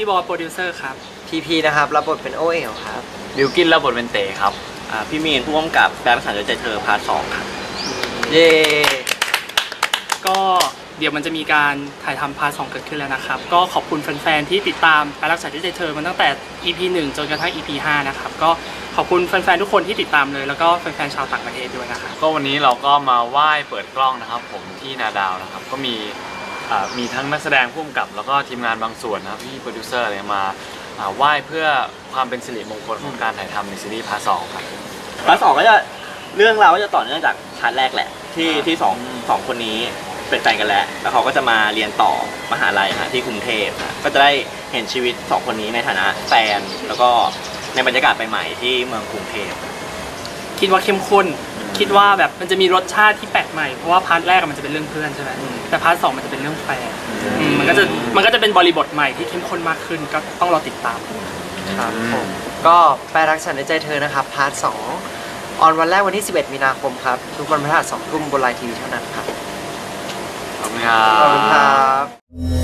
พี่บอสโปรดิวเซอร์ครับพีนะครับรับบทเป็นโอเอ๋วครับบิวกินรับบทเป็นเต๋ครับพี่มีนผู้กำกับแปลภาษาใจเธอพาร์ท 2ครับเย้ก็เดี๋ยวมันจะมีการถ่ายทำพาร์ท 2เกิดขึ้นแล้วนะครับก็ขอบคุณแฟนๆที่ติดตามการรักษาที่ใจเธอมาตั้งแต่ EP 1 จนกระทั่ง EP 5นะครับก็ขอบคุณแฟนๆทุกคนที่ติดตามเลยแล้วก็แฟนๆชาวต่างประเทศด้วยนะครับก็วันนี้เราก็มาไหว้เปิดกล้องนะครับผมที่นาดาวนะครับก็มีทั้งนักแสดงผู้กำกับแล้วก็ทีมงานบางส่วนนะครับพี่โปรดิวเซอร์อะไรมาไหว้เพื่อความเป็นสิริมงคลของการถ่ายทำในซีรีส์พาร์ท 2ครับพาร์ท 2ก็จะเรื่องราวก็จะต่อเนื่องจากพาร์ทแรกแหละที่สองคนนี้เป็นแฟนกันแล้วเขาก็จะมาเรียนต่อมหาลัยที่กรุงเทพก็จะได้เห็นชีวิต2คนนี้ในฐานะแฟนแล้วก็ในบรรยากาศใหม่ๆที่เมืองกรุงเทพคิดว่าเข้มข้นคิดว่าแบบมันจะมีรสชาติที่แปลกใหม่เพราะว่าพาร์ทแรกมันจะเป็นเรื่องเพื่อนใช่ไหมแต่พาร์ท 2มันจะเป็นเรื่องแฟนมันก็จะเป็นบริบทใหม่ที่เข้มข้นมากขึ้นก็ต้องรอติดตามครับผมก็แปลรักฉันในใจเธอนะครับพาร์ท 2ออนวันแรกวันที่ 11 มีนาคมครับทุกวันพฤหัส 2 ทุ่มบนไลน์ทีวีเท่านั้นครับขอบคุณครัขอบคุณคบรับ